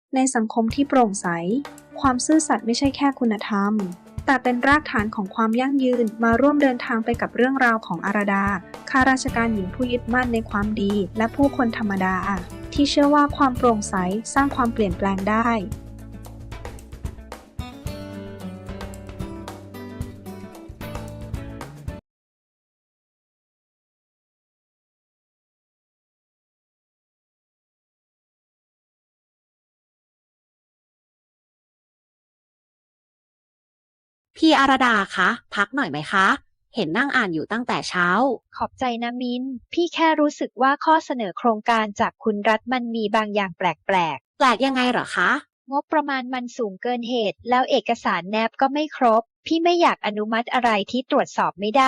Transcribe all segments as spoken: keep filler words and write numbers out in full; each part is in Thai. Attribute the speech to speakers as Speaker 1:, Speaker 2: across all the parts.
Speaker 1: ในสังคมที่โปร่งใสความซื่อสัตย์ไม่ใช่แค่คุณธรรมแต่เป็นรากฐานของความยั่งยืนมาร่วมเดินทางไปกับเรื่องราวของอาราดาข้าราชการหญิงผู้ยึดมั่นในความดีและผู้คนธรรมดาที่เชื่อว่าความโปร่งใสสร้างความเปลี่ยนแปลงได้
Speaker 2: พี่อาราดาคะพักหน่อยไหมคะ เห็นนั่งอ่านอยู่ตั้งแต่เช้า
Speaker 3: ขอบใจนะมิ้น พี่แค่รู้สึกว่าข้อเสนอโครงการจากคุณรัฐมันมีบางอย่างแปลก
Speaker 2: แปลกยังไงเหรอคะ
Speaker 3: ๆ งบประมาณมันสูงเกินเหตุ แล้วเอกสารแนบก็ไม่ครบ พี่ไม่อยากอนุมัติอะไรที่ตรวจสอบไม่ได้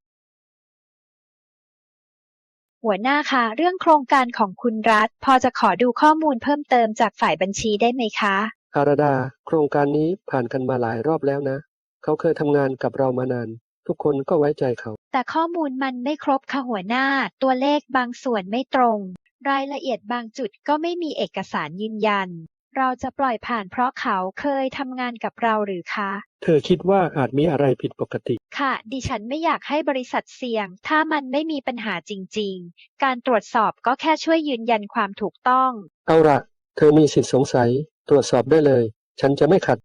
Speaker 3: หัวหน้าคะเรื่องโครงการของคุณรัฐพอจะขอดูข้อมูลเพิ่มเติมจากฝ่ายบัญชีได้ไหมคะ
Speaker 4: อาราดาโครงการนี้ผ่านกันมาหลายรอบแล้วนะ เขาเคยทำงานกับเรามานาน ทุกคนก็ไว้ใจเขา
Speaker 3: แต่ข้อมูลมันไม่ครบค่ะหัวหน้า ตัวเลขบางส่วนไม่ตรง รายละเอียดบางจุดก็ไม่มีเอกสารยืนยัน เราจะปล่อยผ่านเพราะเขาเคยทำงานกับเราหรือคะ
Speaker 4: เธอคิดว่าอาจมีอะไรผิดปกติ
Speaker 3: ค่ะ ดิฉันไม่อยากให้บริษัทเสี่ยง ถ้ามันไม่มีปัญหาจริงๆ การตรวจสอบก็แค่ช่วยยืนยันความถูกต้อง
Speaker 4: เอาละเธอมีสิทธิสงสัย ตรวจสอบได้เลย ฉันจะไม่ขัด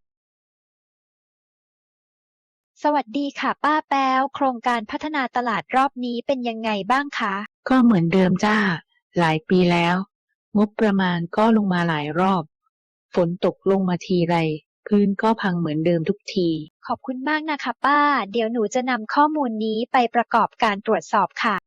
Speaker 3: สวัสดีค่ะป้าแป๊ว โครงการพัฒนาตลาดรอบนี้เป็นยังไงบ้างคะ
Speaker 5: ก็เหมือนเดิมจ้า หลายปีแล้ว งบประมาณก็ลงมาหลายรอบ ฝนตกลงมาทีไร พื้นก็พังเหมือนเดิมทุกที
Speaker 3: ขอบคุณมากนะคะป้า เดี๋ยวหนูจะนำข้อมูลนี้ไปประกอบการตรวจสอบค่ะ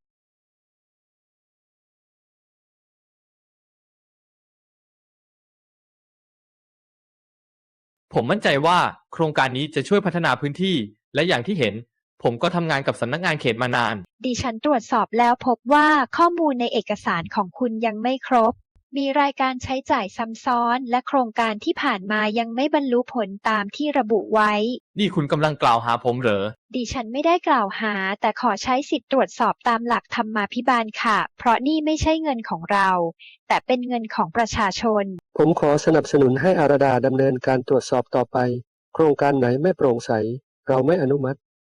Speaker 6: ผมมั่นใจว่าโครงการนี้จะช่วยพัฒนาพื้นที่ และอย่างที่เห็น ผมก็ทำงานกับสำนักงานเขตมานาน
Speaker 3: ดิฉันตรวจสอบแล้วพบว่าข้อมูลในเอกสารของคุณยังไม่ครบ มีรายการใช้จ่ายซ้ำซ้อน และโครงการที่ผ่านมายังไม่บรรลุผลตามที่ระบุไว้
Speaker 6: นี่คุณกำลังกล่าวหาผมเหรอ
Speaker 3: ดิฉันไม่ได้กล่าวหา แต่ขอใช้สิทธิ์ตรวจสอบตามหลักธรรมาภิบาลค่ะ เพราะนี่ไม่ใช่เงินของเรา แต่เป็นเงินของประชาชน
Speaker 4: ผมขอสนับสนุนให้อาราดาดำเนินการตรวจสอบต่อไป โครงการไหนไม่โปร่งใส เราไม่อนุมัติ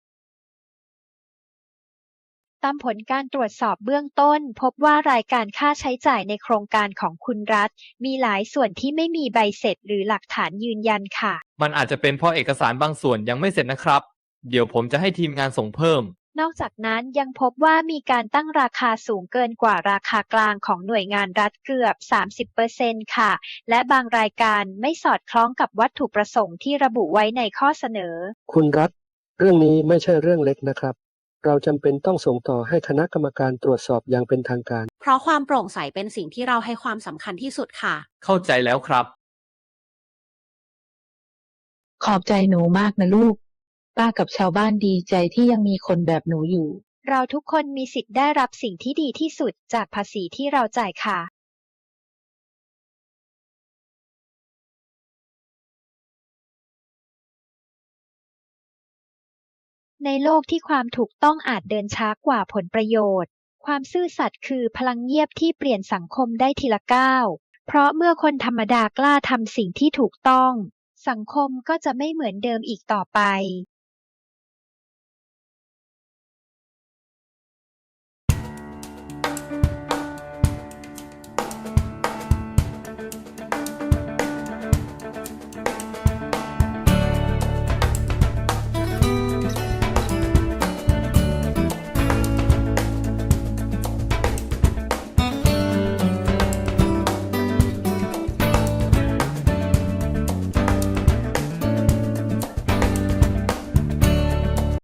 Speaker 3: ตามผลการตรวจสอบเบื้องต้น พบว่ารายการค่าใช้จ่ายในโครงการของคุณรัฐ มีหลายส่วนที่ไม่มีใบเสร็จหรือหลักฐานยืนยันค่ะ
Speaker 6: มันอาจจะเป็นเพราะเอกสารบางส่วนยังไม่เสร็จนะครับ เดี๋ยวผมจะให้ทีมงานส่งเพิ่ม
Speaker 3: นอกจากนั้นยังพบว่ามีการตั้งราคาสูงเกินกว่าราคากลางของหน่วยงานรัฐเกือบ สามสิบเปอร์เซ็นต์ ค่ะ และบางรายการไม่สอดคล้องกับวัตถุประสงค์ที่ระบุไว้ในข้อเสนอ
Speaker 4: คุณรัฐ เรื่องนี้ไม่ใช่เรื่องเล็กนะครับ เราจำเป็นต้องส่งต่อให้คณะกรรมการตรวจสอบอย่างเป็นทางการ
Speaker 2: เพราะความโปร่งใสเป็นสิ่งที่เราให้ความสำคัญที่สุดค่ะ
Speaker 6: เข้าใจแล้วครับ
Speaker 5: ขอบใจหนูมากนะลูก ป้ากับชาวบ้านดีใจที่ยังมีคนแบบหนูอยู่
Speaker 3: เราทุกคนมีสิทธิ์ได้รับสิ่งที่ดีที่สุดจากภาษีที่เราจ่ายค่ะ ในโลกที่ความถูกต้องอาจเดินช้ากว่าผลประโยชน์ ความซื่อสัตย์คือพลังเงียบที่เปลี่ยนสังคมได้ทีละก้าว เพราะเมื่อคนธรรมดากล้าทำสิ่งที่ถูกต้อง สังคมก็จะไม่เหมือนเดิมอีกต่อไป